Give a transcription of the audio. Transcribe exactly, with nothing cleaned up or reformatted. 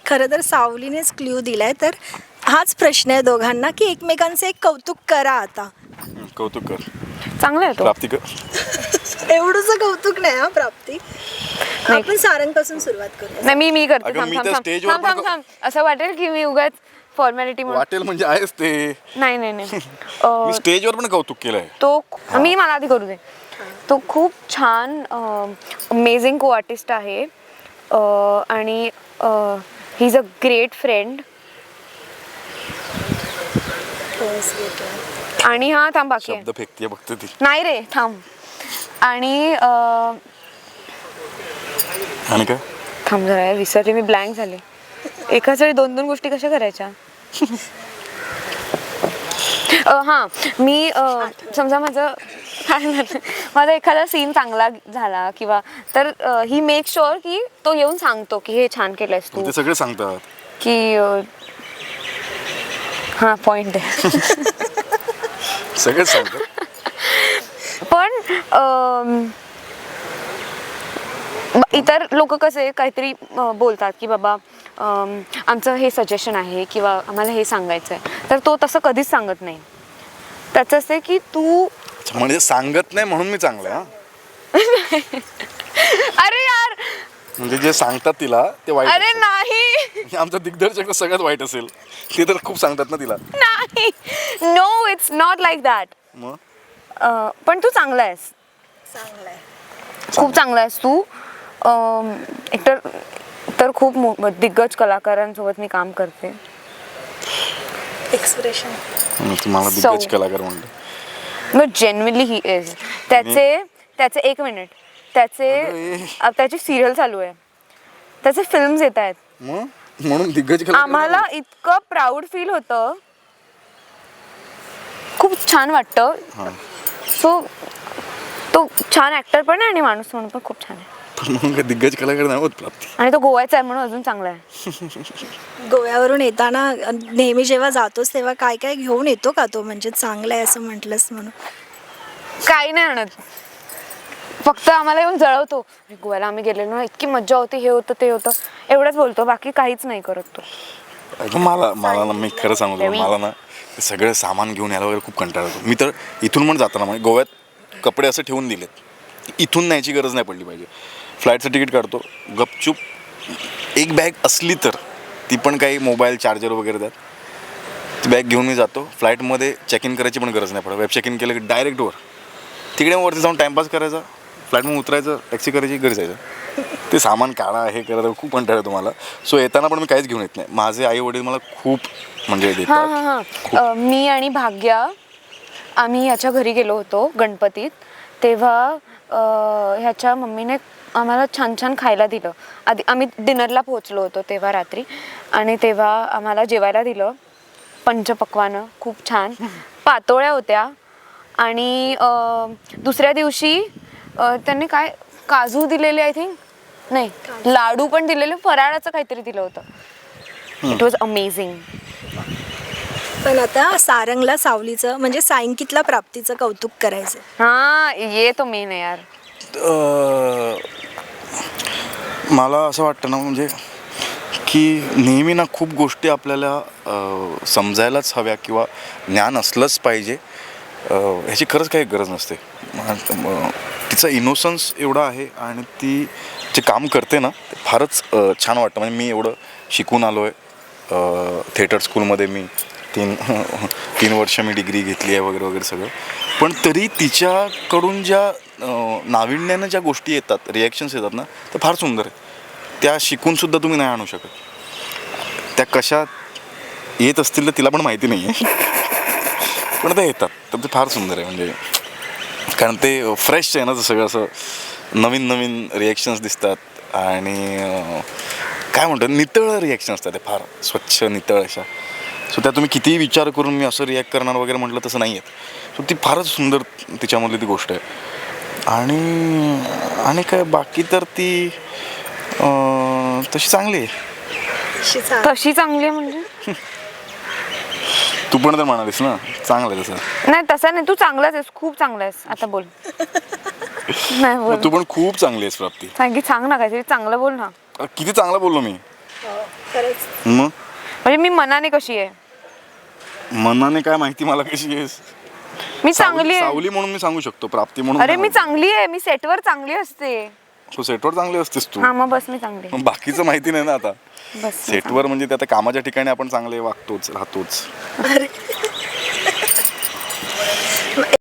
खरं तर सावलीनेच क्ल्यू दिलाय, तर हाच प्रश्न आहे दोघांना की एकमेकांचे एक कौतुक करा आता. कौतुक कर. चांगला आहे तो. प्राप्ती कर. एवढंच कौतुक नाही हा प्राप्ती. आपण सारंगपासून सुरुवात करूया. नाही मी मी करते. अगं, थांब मी थांब तर थांब स्टेजवर थांब थांब पण- थांब असं वाटेल की मी उगाच फॉर्मॅलिटी म्हणून. वाटेल म्हणजे आहेच ते. नाही नाही नाही मी अं, स्टेजवर पण कौतुक केलंय. तो मी मला आधी करू दे. तो खूप छान अमेझिंग को आर्टिस्ट आहे अं, आणि he is a great friend. आणि हा थांब बाकी आहे. शब्द फेकतीये बघते ती. नाही रे थांब. आणि अं, आणि काय थांब जरा विसरले मी, ब्लँक झाले. एकाच वेळी दोन दोन गोष्टी कशा करायच्या. अं, हा मी अं, समजा माझं काय झालं, माझा एखादा सीन चांगला झाला किंवा तर ही मेक शुअर की तो येऊन सांगतो की हे छान केलंयस तू, ते सगळे सांगतात की अं, हा पॉइंट आहे. सगळेच सांगतात. पण अं, इतर लोक कसे काहीतरी अं, बोलतात की बाबा अं, आमचं हे सजेशन आहे किंवा आम्हाला हे सांगायचं आहे, तर तो तसं कधीच सांगत नाही. त्याचं असं आहे की तू म्हणजे सांगत नाही म्हणून मी चांगलं आहे. अरे यार म्हणजे जे सांगतात तिला ते वाईट अरे असेल. नाही आमचा दिग्दर्शक सगळ्यात वाईट असेल. ते तर खूप सांगतात ना तिला. नाही no it's not like that. मग पण तू चांगला आहेस, चांगलाय. खूप चांगला आहेस तू. अं, एकतर तर खूप मो- दिग्गज कलाकारांसोबत मी काम करते. एक्सप्रेशन. तुम्हाला दिग्गज कलाकार म्हणतो. No genuinely he is. त्याचे त्याचे एक मिनिट त्याचे अ, त्याची सिरियल चालू आहे, त्याचे फिल्म्स येत आहेत. मग म्हणून दिग्गज कलाकार आम्हाला इतकं प्राऊड फील होतं, खूप छान वाटतं. सो तो छान ऍक्टर पण आहे आणि माणूस म्हणून पण खूप छान आहे. पण म्हणून काय दिग्गज कलाकार नाही होत प्राप्ती. आणि तो गोव्याचा आहे म्हणून अजून चांगला आहे. गोव्यावरून येताना नेहमी जेव्हा जातोस तेव्हा काय काय घेऊन येतो का तो, म्हणजे चांगला आहे असं म्हटलंस म्हणून? काही नाही आणत, फक्त आम्हाला येऊन जळवतो. गोव्याला आम्ही गेलेलो ना, इतकी मज्जा होती, हे होतं ते होतं एवढंच बोलतो, बाकी काहीच नाही करत तो. अगं मला मला ना मी खरं सांगू तुला, मला ना ते सगळं सामान घेऊन यायला वगैरे खूप कंटाळा येतो. मी तर इथून पण जाताना म्हणजे गोव्यात कपडे असं ठेवून दिलेत, इथून न्यायची गरज नाही पडली पाहिजे. फ्लाईटचं तिकीट काढतो गपचूप, एक बॅग असली तर ती पण काही मोबाईल चार्जर वगैरे द्यात, ती बॅग घेऊन मी जातो. फ्लाईटमध्ये चेक इन करायची पण गरज नाही पडत. वेब चेक इन केलं की डायरेक्ट वर, तिकडे वरती जाऊन टाईमपास करायचा, फ्लाईटमध्ये उतरायचं, टॅक्सी करायची, घरी जायचं. ते सामान काढा हे करायचं खूप कंटाळा येतो मला. सो येताना पण मी काहीच घेऊन येत नाही. माझे आई वडील मला खूप म्हणजे हां देतात. हां हां मी आणि भाग्या आम्ही ह्याच्या घरी गेलो होतो गणपतीत, तेव्हा अं, ह्याच्या मम्मीने आम्हाला छान छान खायला दिलं. आधी आम्ही डिनरला पोहोचलो होतो तेव्हा रात्री, आणि तेव्हा आम्हाला जेवायला दिलं पंचपक्वानं, खूप छान पातोळ्या होत्या. आणि अं, दुसऱ्या दिवशी अं, त्यांनी काय काजू दिलेले, आय थिंक नाही लाडू पण दिलेले, फराळाचं काहीतरी दिलं होतं. It was amazing. पण आता सारंगला सावलीचं म्हणजे सायंकितला प्राप्तीचं कौतुक करायचं. हा ये तो मेन आहे यार. अं, मला असं वाटतं ना म्हणजे की नेहमी ना खूप गोष्टी आपल्याला अं, समजायलाच हव्या किंवा ज्ञान असलंच पाहिजे अं, ह्याची खरंच काही गरज नसते. म- तिचा इनोसन्स एवढा आहे आणि ती जे काम करते ना ते फारच अं, छान वाटतं. म्हणजे मी एवढं शिकून आलो आहे थिएटर स्कूलमध्ये, मी तीन तीन वर्ष मी डिग्री घेतली आहे वगैरे वगैरे सगळं. पण तरी तिच्याकडून ज्या अं, नाविन्यानं ज्या गोष्टी येतात, रिॲक्शन्स येतात ना, ते फार सुंदर आहेत. त्या शिकूनसुद्धा तुम्ही नाही आणू शकत. त्या कशा येत असतील तर तिला पण माहिती नाही आहे, पण त्या येतात. तर ते फार सुंदर आहे. म्हणजे कारण ते फ्रेश आहे ना, तर सगळं असं नवीन नवीन रिॲक्शन्स दिसतात आणि अं, काय म्हणतात नितळ रिॲक्शन असतात, ते फार स्वच्छ नितळ अशा. सो त्या तुम्ही कितीही विचार करून मी असं रिॲक्ट करणार वगैरे म्हटलं तसं नाही आहेत. सो ती फारच सुंदर तिच्यामधली ती गोष्ट आहे. आणि आणि काय बाकी तर ती अं, तशी चांगली आहे. तशी चांगली आहे म्हणजे तू पण तर म्हणालीस ना चांगलं आहे तसं. नाही तसं नाही, तू चांगलाच आहेस, खूप चांगला आहेस. आता बोल. नाही बोल, तू पण खूप चांगली आहेस प्राप्ती. सांगी सांग ना काहीतरी चांगलं बोल ना. किती चांगलं बोललो मी. खरंच. मग म्हणजे मी मनाने कशी आहे? मनाने काय माहिती मला कशी आहेस. मी चांगली सावली आहे. सावली म्हणून मी सांगू शकतो, प्राप्ती म्हणून अरे नाही मी सांगू चांगली आहे, मी सेटवर चांगली असते. शकतो. तू सेटवर चांगली असतेस तू. हा मग बस मी चांगली आहे. मग बाकीचं माहिती नाही ना आता. बस मी सेटवर म्हणजे ते आता कामाच्या ठिकाणी आपण चांगले वागतोच राहतोच. अरे